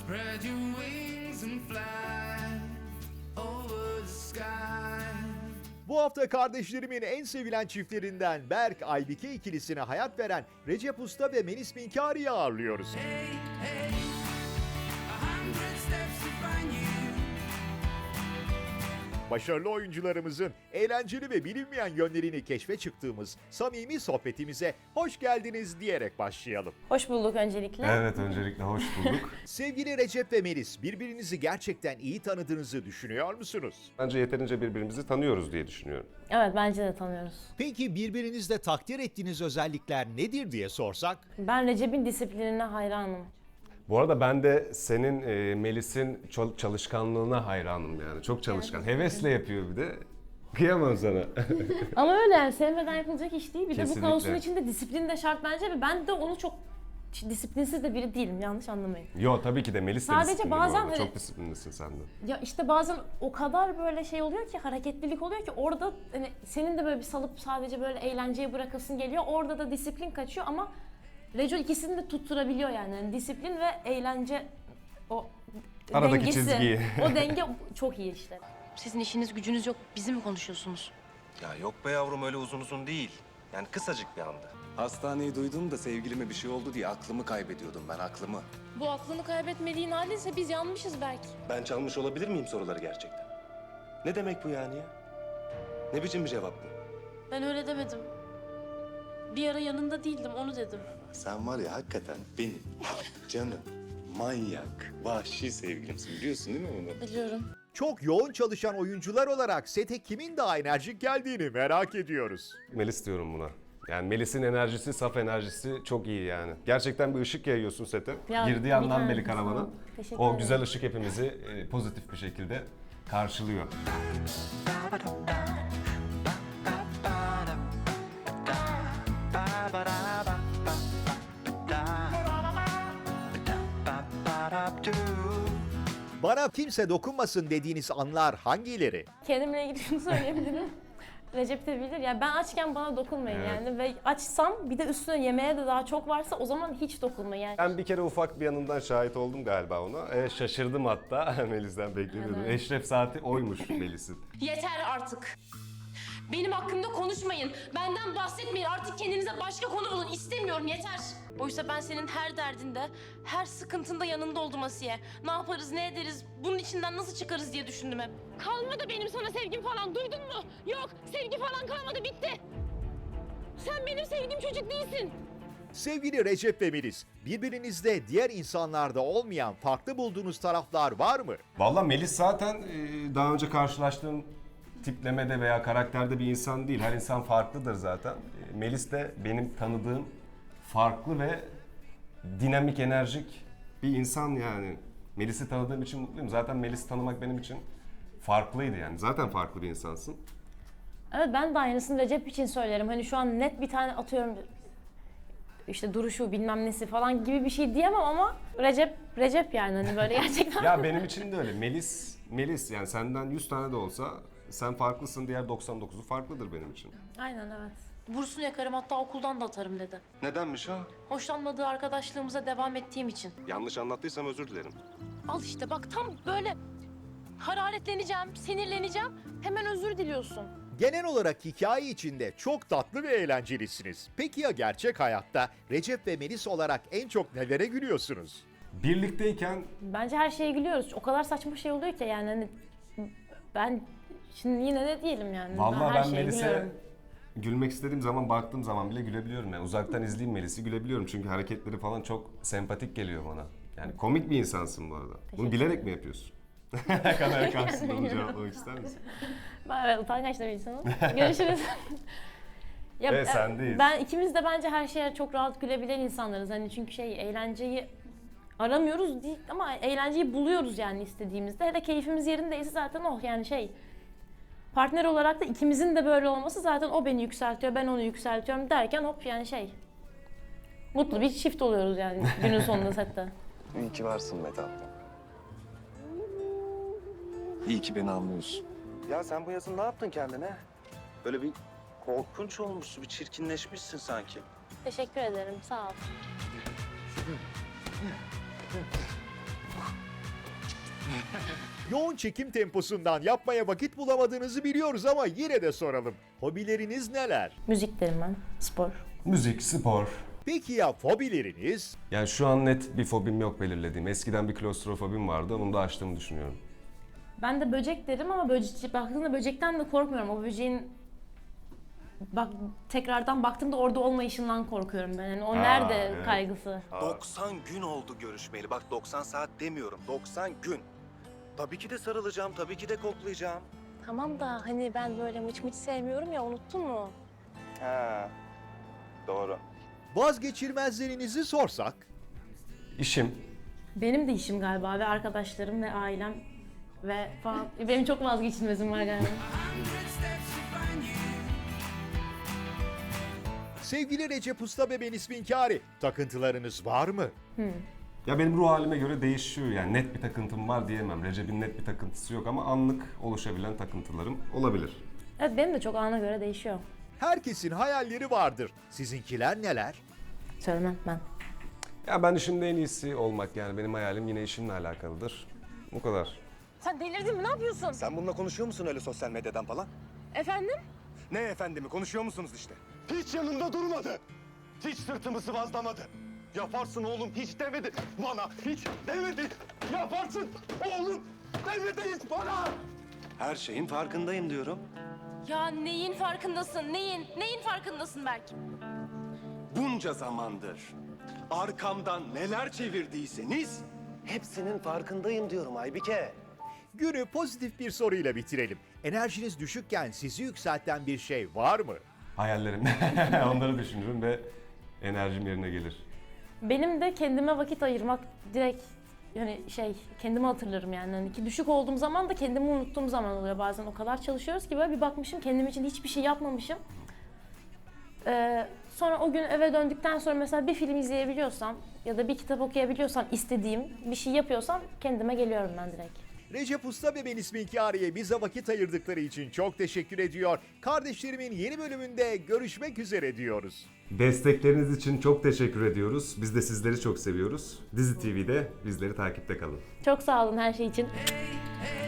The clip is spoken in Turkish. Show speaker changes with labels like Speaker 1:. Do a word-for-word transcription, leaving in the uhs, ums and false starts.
Speaker 1: Spread your wings and fly over the sky.
Speaker 2: Bu hafta kardeşlerimin en sevilen çiftlerinden Berk Aybike ikilisine hayat veren Recep Usta ve Melis Minkari'yi ağırlıyoruz.
Speaker 1: Hey, hey, a hundred steps to find you.
Speaker 2: Başarılı oyuncularımızın eğlenceli ve bilinmeyen yönlerini keşfe çıktığımız samimi sohbetimize hoş geldiniz diyerek başlayalım.
Speaker 3: Hoş bulduk öncelikle.
Speaker 4: Evet, öncelikle hoş bulduk.
Speaker 2: Sevgili Recep ve Melis, birbirinizi gerçekten iyi tanıdığınızı düşünüyor musunuz?
Speaker 4: Bence yeterince birbirimizi tanıyoruz diye düşünüyorum.
Speaker 3: Evet, bence de tanıyoruz.
Speaker 2: Peki birbirinizde takdir ettiğiniz özellikler nedir diye sorsak?
Speaker 3: Ben Recep'in disiplinine hayranım.
Speaker 4: Bu arada ben de senin e, Melis'in çal- çalışkanlığına hayranım yani. Çok çalışkan. Hevesle yapıyor bir de. Kıyamam sana.
Speaker 3: Ama öyle yani sevmeden yapılacak iş değil. Bir de bu
Speaker 4: Kesinlikle.
Speaker 3: kaosun içinde disiplin de şart bence ve ben de onu çok disiplinsiz de biri değilim, yanlış anlamayın.
Speaker 4: Yo, tabii ki de Melis de
Speaker 3: Sadece
Speaker 4: disiplinli bu
Speaker 3: bazen
Speaker 4: arada.
Speaker 3: hani-
Speaker 4: Çok disiplinlisin sen de.
Speaker 3: Ya işte bazen o kadar böyle şey oluyor ki, hareketlilik oluyor ki orada hani senin de böyle bir salıp sadece böyle eğlenceye bırakasın geliyor. Orada da disiplin kaçıyor ama Reco ikisini de tutturabiliyor yani. Yani disiplin ve eğlence o
Speaker 4: Aradaki
Speaker 3: dengesi.
Speaker 4: çizgiyi.
Speaker 3: O denge çok iyi işte.
Speaker 5: Sizin işiniz gücünüz yok. Bizi mi konuşuyorsunuz?
Speaker 6: Ya yok be yavrum, öyle uzun uzun değil. Yani kısacık bir anda. Hastaneyi duydum da sevgilime bir şey oldu diye aklımı kaybediyordum ben, aklımı.
Speaker 5: Bu aklını kaybetmediğin haldeyse biz yanmışız belki.
Speaker 6: Ben çalmış olabilir miyim soruları gerçekten? Ne demek bu yani ya? Ne biçim bir cevap bu?
Speaker 5: Ben öyle demedim. Bir ara yanında değildim, onu dedim.
Speaker 6: Sen var ya hakikaten benim canım, manyak, vahşi sevgilimsin. Biliyorsun değil mi bunu?
Speaker 5: Biliyorum.
Speaker 2: Çok yoğun çalışan oyuncular olarak sete kimin daha enerjik geldiğini merak ediyoruz.
Speaker 4: Melis diyorum buna. Yani Melis'in enerjisi, saf enerjisi çok iyi yani. Gerçekten bir ışık yayıyorsun sete.
Speaker 3: Ya,
Speaker 4: Girdiği andan
Speaker 3: bir
Speaker 4: beri
Speaker 3: tanesi.
Speaker 4: karavana.
Speaker 3: Teşekkür
Speaker 4: O
Speaker 3: ederim.
Speaker 4: güzel ışık hepimizi e, pozitif bir şekilde karşılıyor.
Speaker 2: Bana kimse dokunmasın dediğiniz anlar hangileri?
Speaker 3: Kendimle ilgili şunu söyleyebilirim. Recep de bilir. Yani ben açken bana dokunmayın
Speaker 4: Evet.
Speaker 3: yani ve açsam bir de üstüne yemeğe de daha çok varsa o zaman hiç dokunmayın yani.
Speaker 4: Ben bir kere ufak bir yanından şahit oldum galiba ona. E, şaşırdım hatta. Melis'ten beklemiyordum.
Speaker 3: Evet.
Speaker 4: Eşref saati oymuş Melis'in.
Speaker 5: Yeter artık. Benim hakkımda konuşmayın. Benden bahsetmeyin. Artık kendinize başka konu bulun. İstemiyorum, yeter. Oysa ben senin her derdinde, her sıkıntında yanında oldum Asiye. Ne yaparız, ne ederiz, bunun içinden nasıl çıkarız diye düşündüm hep. Kalmadı benim sana sevgim falan, duydun mu? Yok, sevgi falan kalmadı, bitti. Sen benim sevdiğim çocuk değilsin.
Speaker 2: Sevgili Recep ve Melis, birbirinizde diğer insanlarda olmayan farklı bulduğunuz taraflar var mı?
Speaker 4: Vallahi Melis zaten e, daha önce karşılaştığım tiplemede veya karakterde bir insan değil. Her insan farklıdır zaten. E, Melis de benim tanıdığım farklı ve dinamik, enerjik bir insan yani. Melis'i tanıdığım için mutluyum. Zaten Melis'i tanımak benim için farklıydı yani. Zaten farklı bir insansın.
Speaker 3: Evet, ben de aynısını Recep için söylerim. Hani şu an net bir tane atıyorum işte duruşu bilmem nesi falan gibi bir şey diyemem ama Recep Recep yani hani böyle gerçekten.
Speaker 4: Ya benim için de öyle. Melis, Melis yani senden yüz tane de olsa sen farklısın, diğer doksan dokuzu farklıdır benim için.
Speaker 3: Aynen, evet.
Speaker 5: Bursunu yakarım, hatta okuldan da atarım dedi.
Speaker 6: Nedenmiş o?
Speaker 5: Hoşlanmadığı arkadaşlığımıza devam ettiğim için.
Speaker 6: Yanlış anlattıysam özür dilerim.
Speaker 5: Al işte bak, tam böyle hararetleneceğim, sinirleneceğim. Hemen özür diliyorsun.
Speaker 2: Genel olarak hikaye içinde çok tatlı ve eğlencelisiniz. Peki ya gerçek hayatta Recep ve Melis olarak en çok nelere gülüyorsunuz?
Speaker 4: Birlikteyken
Speaker 3: Bence her şeye gülüyoruz. O kadar saçma şey oluyor ki yani hani ben şimdi yine de diyelim yani.
Speaker 4: vallahi
Speaker 3: her
Speaker 4: ben
Speaker 3: şeye
Speaker 4: Melis'e
Speaker 3: gülüyorum.
Speaker 4: gülmek istediğim zaman, baktığım zaman bile gülebiliyorum yani. Uzaktan izleyeyim Melis'i, gülebiliyorum çünkü hareketleri falan çok sempatik geliyor bana. Yani komik bir insansın bu arada. Bunu bilerek mi yapıyorsun? Kamera karşısında bunu cevaplamak ister misin?
Speaker 3: Ben evet, utangaç da bir insanım. Görüşürüz. Ya,
Speaker 4: Evet, sendeyiz.
Speaker 3: Ben ikimiz de bence her şeye çok rahat gülebilen insanlarız. Hani çünkü şey eğlenceyi aramıyoruz değil ama eğlenceyi buluyoruz yani istediğimizde. Hele keyfimiz yerindeyse zaten oh yani şey. Partner olarak da ikimizin de böyle olması zaten o beni yükseltiyor, ben onu yükseltiyorum derken hop yani şey. Mutlu bir çift oluyoruz yani günün sonunda sette.
Speaker 6: İyi ki varsın be tatlım. İyi ki beni anlıyorsun. Ya sen bu yazın ne yaptın kendine? Böyle bir korkunç olmuşsun, bir çirkinleşmişsin sanki.
Speaker 3: Teşekkür ederim, sağ ol.
Speaker 2: Yoğun çekim temposundan yapmaya vakit bulamadığınızı biliyoruz ama yine de soralım. Hobileriniz neler?
Speaker 3: Müzik derim ben. Spor.
Speaker 4: Müzik, spor.
Speaker 2: Peki ya fobileriniz?
Speaker 4: Yani şu an net bir fobim yok belirlediğim. Eskiden bir klostrofobim vardı. Bunu da aştığımı düşünüyorum.
Speaker 3: Ben de böcek derim ama böcek, baktığımda böcekten de korkmuyorum. O böceğin bak tekrardan baktığımda orada olmayışından korkuyorum ben. Yani o nerede
Speaker 4: evet.
Speaker 3: kaygısı.
Speaker 6: doksan gün oldu görüşmeyeli. Bak doksan saat demiyorum. doksan gün. Tabii ki de sarılacağım, tabii ki de koklayacağım.
Speaker 5: Tamam da hani ben böyle mıç mıç sevmiyorum ya, unuttun mu?
Speaker 6: Ha. Doğru.
Speaker 2: Vazgeçilmezlerinizi sorsak?
Speaker 4: İşim.
Speaker 3: Benim de işim galiba ve arkadaşlarım ve ailem ve falan. Benim çok vazgeçilmezim var galiba.
Speaker 2: Sevgili Recep Usta ve Melis Minkari, takıntılarınız var mı?
Speaker 4: Ya benim ruh halime göre değişiyor yani. Net bir takıntım var diyemem. Recep'in net bir takıntısı yok ama anlık oluşabilen takıntılarım olabilir.
Speaker 3: Evet, benim de çok ana göre değişiyor.
Speaker 2: Herkesin hayalleri vardır. Sizinkiler neler?
Speaker 3: Söylemem ben.
Speaker 4: Ya ben işimde en iyisi olmak, yani benim hayalim yine işimle alakalıdır. Bu kadar.
Speaker 5: Sen delirdin mi? Ne yapıyorsun?
Speaker 6: Sen bununla konuşuyor musun öyle sosyal medyadan falan?
Speaker 5: Efendim?
Speaker 6: Ne efendimi, konuşuyor musunuz işte? Hiç yanımda durmadı. Hiç sırtımı sıvazlamadı. Yaparsın oğlum hiç demedi. Bana hiç demedi. Yaparsın oğlum demedi hiç bana. Her şeyin farkındayım diyorum.
Speaker 5: Ya neyin farkındasın? Neyin? Neyin farkındasın Berk?
Speaker 6: Bunca zamandır arkamdan neler çevirdiyseniz hepsinin farkındayım diyorum Aybike.
Speaker 2: Günü pozitif bir soruyla bitirelim. Enerjiniz düşükken sizi yükselten bir şey var mı?
Speaker 4: Hayallerim. Onları düşünürüm ve enerjim yerine gelir.
Speaker 3: Benim de kendime vakit ayırmak direkt yani şey kendimi hatırlarım yani. Hani ki düşük olduğum zaman da kendimi unuttuğum zaman oluyor bazen. O kadar çalışıyoruz ki böyle bir bakmışım kendim için hiçbir şey yapmamışım. Ee, sonra o gün eve döndükten sonra mesela bir film izleyebiliyorsam ya da bir kitap okuyabiliyorsam istediğim bir şey yapıyorsam kendime geliyorum ben direkt.
Speaker 2: Recep Usta ve Melis Minkari'ye bize vakit ayırdıkları için çok teşekkür ediyor. Kardeşlerimin yeni bölümünde görüşmek üzere diyoruz.
Speaker 4: Destekleriniz için çok teşekkür ediyoruz. Biz de sizleri çok seviyoruz. Dizi T V'de bizleri takipte kalın.
Speaker 3: Çok sağ olun her şey için.
Speaker 1: Hey,